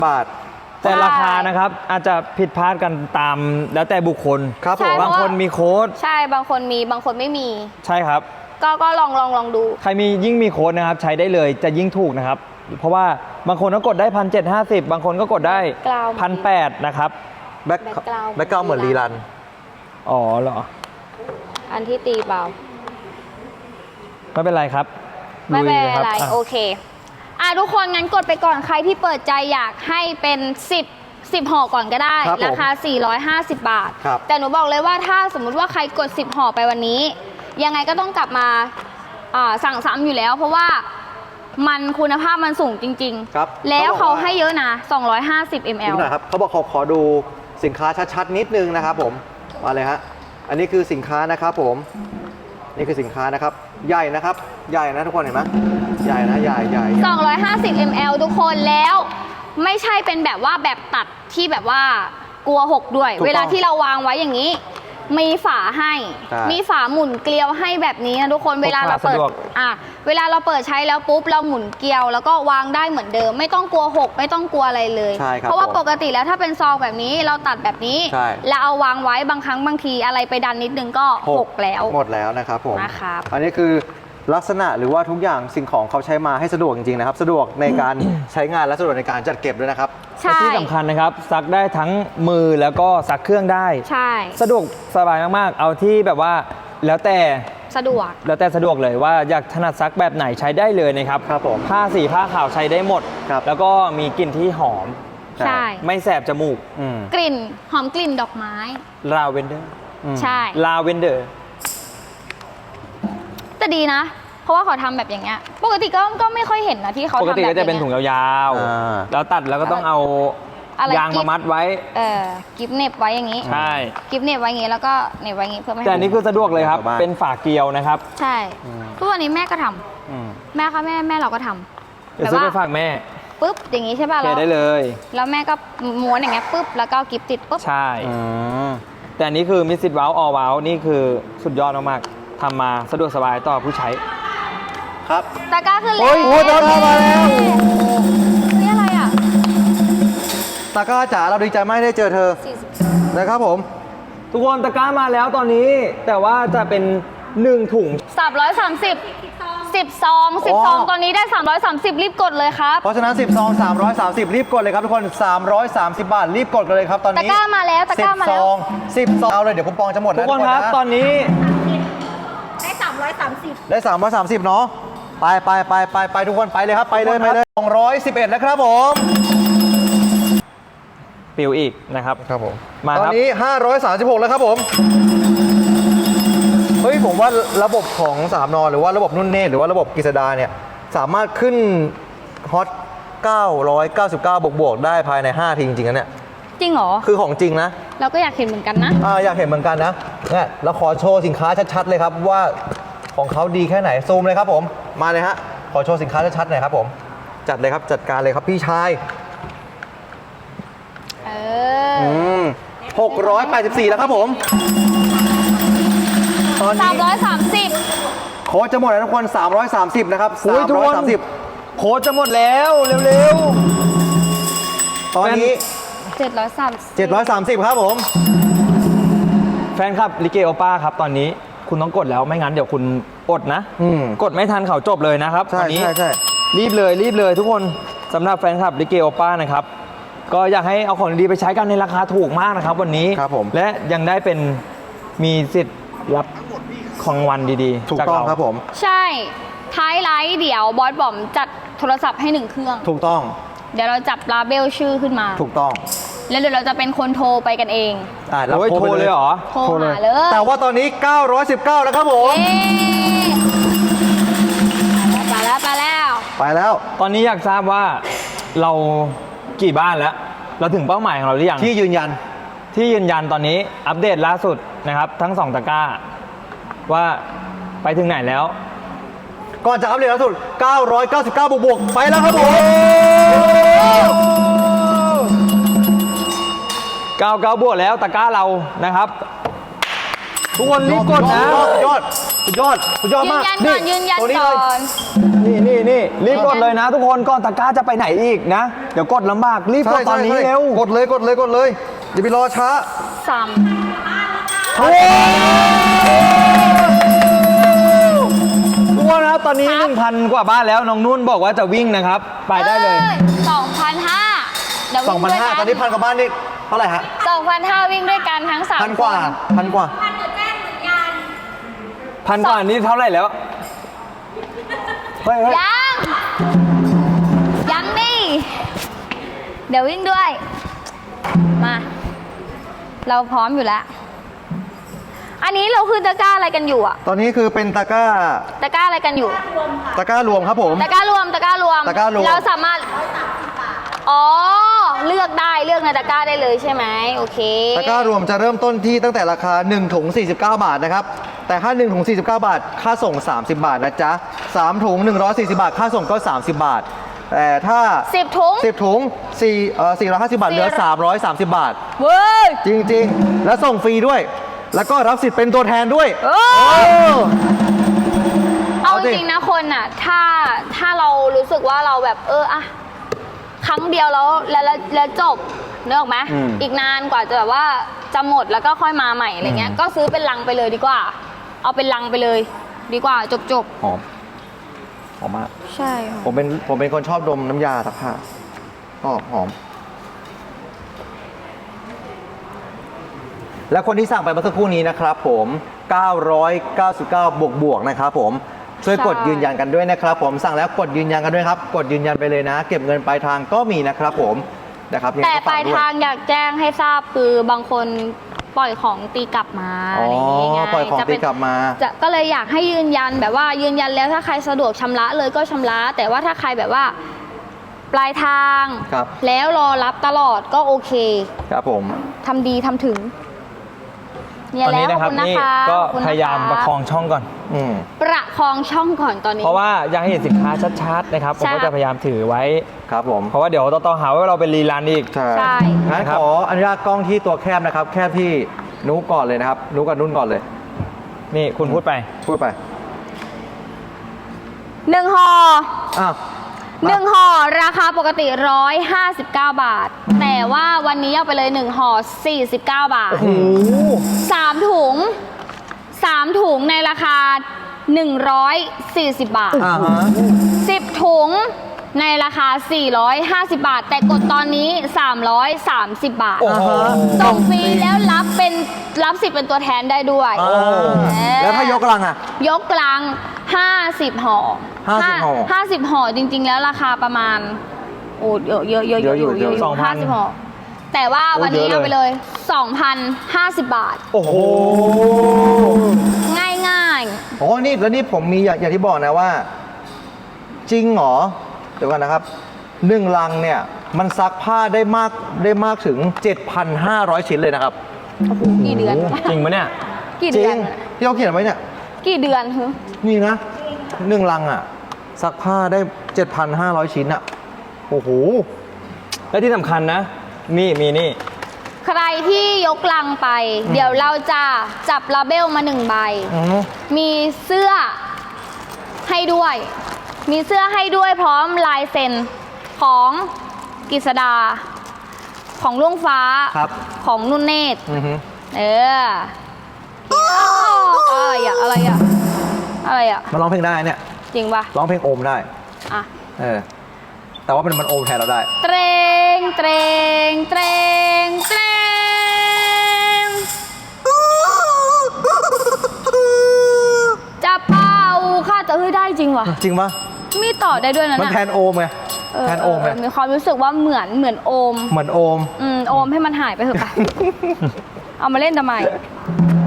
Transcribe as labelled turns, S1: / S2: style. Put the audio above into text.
S1: บาท
S2: แต่ราคานะครับอาจจะผิดพลาดกันตามแล้วแต่บุคคล
S1: ครับผม
S2: บางคนมีโค้ด
S3: ใช่บางคนมีบางคนไม่มี
S2: ใช่ครับ
S3: ก็ลองดู
S2: ใครมียิ่งมีโค้ดนะครับใช้ได้เลยจะยิ่งถูกนะครับเพราะว่าบางคนก็กดได้1,750บางคนก็กดได้1,800นะครับ
S1: แบ็คกราวเหมือนรีรัน
S2: อ๋อเหรอ
S3: อันที่ตีเบา
S2: ไม่เป็นไรครับ
S3: ไม่เป็นไรโอเคทุกคนงั้นกดไปก่อนใครที่เปิดใจอยากให้เป็น10ห่อก่อนก็ได้ราคา450 บาทแต่หนูบอกเลยว่าถ้าสมมุติว่าใครกด10ห่อไปวันนี้ยังไงก็ต้องกลับมาสั่งซ้ำอยู่แล้วเพราะว่ามันคุณภาพมันสูงจริงๆแล้วเขาให้เยอะนะ250 ml
S1: ครับเขาบอกขอดูสินค้าชัดๆนิดนึงนะครับผมมาเลยฮะอันนี้คือสินค้านะครับผมนี่คือสินค้านะครับใหญ่นะครับใหญ่นะทุกคนเห็นไหมใหญ่นะใหญ่
S3: 250 ml ทุกคนแล้วไม่ใช่เป็นแบบว่าแบบตัดที่แบบว่ากลัวหกด้วยเวลาที่เราวางไว้อย่างนี้มีฝาให้มีฝาหมุนเกลียวให้แบบนี้นะทุกคนเวลาเราเปิดเวลาเราเปิดใช้แล้วปุ๊บเราหมุนเกลียวแล้วก็วางได้เหมือนเดิมไม่ต้องกลัวหกไม่ต้องกลัวอะไรเลยเพราะว่าปกติแล้วถ้าเป็นซองแบบนี้เราตัดแบบนี้แล้วเอาวางไว้บางครั้งบางทีอะไรไปดันนิดนึงก็หกแล้ว
S1: หมดแล้วนะครับผมอันนี้คือลักษณะหรือว่าทุกอย่างสิ่งของเขาใช้มาให้สะดวกจริงๆนะครับสะดวกในการใช้งานและสะดวกในการจัดเก็บด้วยนะครับ
S2: ที่สำคัญนะครับซักได้ทั้งมือแล้วก็ซักเครื่องได้
S3: ใช่
S2: สะดวกสบายมากๆเอาที่แบบว่าแล้วแต่
S3: สะดวก
S2: เลยว่าอยากถนัดซักแบบไหนใช้ได้เลยนะครับ
S1: ครับผม
S2: ผ้าสีผ้าขาวใช้ได้หมดแล้วก็มีกลิ่นที่หอม
S3: ใช่
S2: ไม่แสบจมูก
S3: กลิ่นหอมกลิ่นดอกไม้
S2: ลาเวนเดอร์
S3: ใช่
S2: ลาเวนเดอร์
S3: แต่ดีนะเพราะว่าเขาทำแบบอย่างเงี้ยปกติก็ไม่ค่อยเห็นนะที่เขาทำแบบ
S2: ปกติก็จะเป็นถุงยาวๆแล้วตัดแล้วก็ต้องเอายางมามัดไว้
S3: กิฟเน็บไว้อย่างงี้
S2: ใช่
S3: กิฟเน็บไว้อย่างงี้แล้วก็เน็บไว้อย่างงี้เพื่อไม่ให้
S2: แต่นี่คือสะดวกเลยครับเป็นฝาเกลียวนะครับ
S3: ใช่ทุกวันนี้แม่ก็ทำแม่ค่ะแม่เราก็ทำ
S2: แบบว่าไปฝากแม่
S3: ปุ๊บอย่างงี้ใช่ป่ะ
S2: เราได้เลย
S3: แล้วแม่ก็ม้วนอย่างเงี้ยปุ๊บแล้วก็กิฟติดปุ๊บ
S2: ใช่แต่อันนี้คือมิสซิตว้าวออลว้าวนี่คือสุดยอดมากๆทำมาสะดวกสบายต่อผู้ใช้
S1: ครับ
S3: ตะกร้าขึ้นแล้ว
S1: โอ้ยตะกร้ามาแล้ว
S3: นี่อะไรอ่ะ
S1: ตะกร้าจ๋าเราดีใจมากได้เจอเธอนะครับผม
S2: ทุกคนตะกร้ามาแล้วตอนนี้แต่ว่าจะเป็น1ถุง
S3: 10 ซองตอนนี้ได้330รีบกดเลยครับ
S1: เพราะฉะนั้น10 ซอง330รีบกดเลยครับทุกคน330 บาทรีบกดกันเลยครับตอนนี้
S3: ตะกร้ามาแล้วตะกร้ามาแล้ว
S1: 10 ซองเอาเลยเดี๋ยวคูปองจะหมด
S2: ทุกคนครับตอนนี้
S3: ได้
S1: 330เนาะไปทุกคนไปเลยครับไปเลย211แล้วครับผม
S2: ปิวอีกนะครับ
S1: ครับผม
S2: มา
S1: ตอนนี้536แล้วครับผมเฮ้ยผมว่าระบบของ3 นหรือว่าระบบนุ่นเนตรหรือว่าระบบกฤษดาเนี่ยสามารถขึ้นฮอต999บวกได้ภายใน5ทีจริงๆนะเนี่ย
S3: จริงเหรอ
S1: คือของจริงนะ
S3: เราก็อยากเห็นเหมือนกันนะ
S1: อยากเห็นเหมือนกันนะเนี่ยเราขอโชว์สินค้าชัดๆเลยครับว่าของเขาดีแค่ไหนซูมเลยครับผมมาเลยฮะขอโชว์สินค้าชัดๆหน่อยครับผมจัดเลยครับจัดการเลยครับพี่ชาย684แล้วครับผม
S3: ตอนนี้330
S1: โค้ดจะหมดแล้วทุกคน330นะครับ
S2: 330โค้ดจะหมดแล้วเร็ว
S1: ๆตอนนี้730ครับผม
S2: แฟนคลับลิเกโอป้าครับตอนนี้คุณต้องกดแล้วไม่งั้นเดี๋ยวคุณอดนะกดไม่ทันเขาจบเลยนะครับตอนนี้รีบเลยทุกคนสำหรับแฟนคลับลิเกโอป้านะครับก็อยากให้เอาของดีไปใช้กันในราคาถูกมากนะครับวันนี้และยังได้เป็นมีสิทธิ์รับของวันดี
S1: ๆถูกต้องครับผม
S3: ใช่ท้ายไลฟ์เดี๋ยวบอสบอมจัดโทรศัพท์ให้1 เครื่อง
S1: ถูกต้อง
S3: เดี๋ยวเราจับลาเบลชื่อขึ้นมา
S1: ถูกต้อง
S3: แล้วเดี๋ยวเราจะเป็นคนโทรไปกันเอง
S2: เราโทรเลยเหรอ
S3: โทรหาเลย
S1: แต่ว่าตอนนี้919แล้วครับผม
S3: ไปแล้ว
S2: ตอนนี้อยากทราบว่าเรากี่บ้านแล้วเราถึงเป้าหมายของเราหรือยัง
S1: ที่ยืนยั
S2: นตอนนี้อัปเดตล่าสุดนะครับทั้ง2 ตะกร้าว่าไปถึงไหนแล้ว
S1: ก่อนจะอัปเดตล่าสุด999บวกไปแล้วครับผม
S2: 99บวกแล้วตะกร้าเรานะครับทุกคนรีบกดนะ
S1: สุดยอดสุดยอดสุดยอด
S3: ยืน
S1: มาก
S3: ยันก่อนยืนยัน
S1: ตัวนี้
S3: ก่
S1: เล
S3: อย น
S2: นี่รีบกดเลยนะ ทุกคนก่อนตะกร้าจะไปไหนอีกนะ เดี๋ยวกดลำบากรีบกดตอนนี้เร็ว
S1: กดเลยกดเลยกดเลยอย่าไปรอช้า
S3: ซ้
S2: ทุกคนนะครับตอนนี้ 1,000 กว่าบ้านแล้วน้องนุ่นบอกว่าจะวิ่งนะครับ
S3: ำ
S2: ไปได้เลย
S3: 2,500เดี๋ยววิ่งด้วยกั
S1: 2,500ตอนนี้พันกว่าบ้านนี่เท่าไหร่ฮะ
S3: 2,500วิ่งด้วยกันทั้ง3
S1: พันกว่าพันกว่า
S2: พันกว่านี้เท่าไหร่แล้วเฮ้ย
S3: ยังดิเดี๋ยววิ่งด้วย มา เราพร้อมอยู่แล้ว อันนี้เราคือตะกร้าอะไรกันอยู่อะ
S1: ตอนนี้คือเป็นตะกร้า
S3: ตะกร้าอะไรกันอยู่
S1: ตะกร้ารวมครับผม
S3: ตะกร้ารวม ตะกร้ารวม
S1: ตะกร้ารวม
S3: เราสามารถ อ๋อ เลือกได้ เลือกในตะกร้าได้เลยใช่ไหม โอเค
S1: ตะกร้ารวมจะเริ่มต้นที่ตั้งแต่ราคา1ถุง49 บาทนะครับ แต่ถ้า1ถุง49 บาท ค่าส่ง 30 บาทนะจ๊ะ3ถุง140 บาท ค่าส่งก็ 30 บาท แต่ถ้า
S3: 10 ถุง
S1: 10 ถุง450 บาทเหลือ 330 บาท
S3: เว้ย
S1: จริงๆ แล้วส่งฟรีด้วย แล้วก็รับสิทธิ์เป็นตัวแทนด้วย
S3: เออ เอา
S1: เอา
S3: จ
S1: ดิ
S3: ริงๆนะคนน่ะ ถ้าเรารู้สึกว่าเราแบบอะครั้งเดียวแล้วจบนึกออกไหม อีกนานกว่าจะแบบว่าจะหมดแล้วก็ค่อยมาใหม่อะไรเงี้ย ก็ซื้อเป็นลังไปเลยดีกว่า เอาเป็นลังไปเลย ดีกว่าจบ
S1: หอม หอมมาก
S3: ใช่ค่ะ
S1: ผมเป็นคนชอบดมน้ำยาซักผ้าก็หอม และคนที่สั่งไปเมื่อสักครู่นี้นะครับผม 999 บวกนะครับผม ช่วยกดยืนยันกันด้วยนะครับผม สั่งแล้วกดยืนยันกันด้วยครับ กดยืนยันไปเลยนะ เก็บเงินปลายทางก็มีนะครับผม นะครับยังไง
S3: แต่
S1: ก็
S3: ป
S1: ฝ
S3: ลาก ย
S1: ด้วย
S3: ทางอยากแจ้งให้ทราบคือบางคนปล่อยของตีกลับมา
S1: อ๋อ
S3: อะไรอย่างเงี้ย
S1: ปล่อยของ
S3: จะเป็
S1: ตี
S3: น
S1: กลับมา
S3: ก็เลยอยากให้ยืนยันแบบว่ายืนยันแล้วถ้าใครสะดวกชำระเลยก็ชำระ แต่ว่าถ้าใครแบบว่า ปลายทาง
S1: ครับ
S3: แล้วรอรับตลอดก็โอเค
S1: ครับผม
S3: ทำดีทำถึงเนี่ย
S2: ตอน
S3: แล้
S2: นี้
S3: วข
S2: นะ
S3: อบ
S2: ครับ
S3: คุณนะ
S2: นี่
S3: คะ
S2: ก็
S3: ขอบคุณน
S2: พยายามประคองช่องก่อน
S1: อืม
S3: ประคองช่องก่อนตอนนี้
S2: เพราะว่าอยากให้เห็นสินค้าชัดๆนะครับ ผม
S3: ใช่
S2: ก็จะพยายามถือไว้
S1: ครับผม
S2: เพราะว่าเดี๋ยวต่อหาว่าเราเป็นรีลันอีก
S1: ใช่
S3: ใช่
S1: งั้น
S2: นะครับ
S1: ขออนุญาตกล้องที่ตัวแคบนะครับ แคบที่นุก่อนเลยนะครับ นุกับนุ่นก่อนเลย
S2: นี่คุณพูดไป
S1: พูดไป
S3: 1ห่อ
S1: อ้าว
S3: 1ห่อราคาปกติ159 บาท แต่ว่าวันนี้เอาไปเลย1ห่อ49 บาท 3 ถุง 3 ถุงในราคา 140 บาท
S1: อ่าฮะ
S3: 10 ถุงในราคา 450 บาท แต่กดตอนนี้ 330 บาท
S1: โอ้โห
S3: ส่งฟรีแล้วรับสิทธิ์เป็นตัวแทนได้ด้วย
S1: แล้วถ้ายกลังอ่ะ
S3: ยกกลาง50 ห่อ
S1: 50ห่อ
S3: 50 ห่อจริง ๆ แล้วราคาประมาณ โอ้เยอะอยู่
S1: เยอะอยู่
S2: 2,000
S3: 50 ห่อ แต่ว่าวันนี้
S1: โอ้เยอะเลย
S3: เอาไปเลย 2,050 บาท
S2: โอ้โห
S3: ง่าย
S1: โอ้นี่แล้วนี่ผมมีอย่างที่บอกนะว่า จริงเหรอ เดี๋ยวก่อนนะครับ1ลังเนี่ย มันซักผ้าได้มากถึง 7,500 ชิ้นเลยนะครับ
S3: ๆโอ้โหกี่เดือน
S2: จริงปะเนี่ย
S3: กี่
S1: จ
S3: เดื
S1: ริ
S3: อง น
S1: ที่เขาเขียนไว้เนี่ย
S3: กี่เดือนฮึ
S1: นี่นะ1ลังอ่ะ ซักผ้าได้ 7,500 ชิ้นอ่ะ โอ้โห
S2: และที่สำคัญนะ นี่มีนี่
S3: ใครที่ยกลังไป เดี๋ยวเราจะจับลาเบลมา1 ใบ มีเสื้อให้ด้วย มีเสื้อให้ด้วยพร้อมลายเซ็นของกฤษดา ของลุงฟ้า
S1: ครับ
S3: ของนุ่นเนตร
S1: อือฮึ
S3: อะไรอะอะไรอะอะไรอะ
S1: มาร้องเพลงได้เนี่ย
S3: จริงปะ
S1: ร้องเพลงโอมได้
S3: อ่ะ
S1: แต่ว่ามันโอมแทนเราได้
S3: เตรงเตรงเตรงเตรง จะเป่าค่ะจะเฮ้ยได้จริงว่ะ
S1: จริงปะ
S3: มีต่อได้ด้วยนะ
S1: มัน
S3: เนี่ย
S1: แทนโอมไง แทนโอมไง
S3: มีความรู้สึกว่าเหมือนโอม
S1: เหมือนโอม
S3: โอมให้มันหายไปเถอะ ไป เอามาเล่นทำไม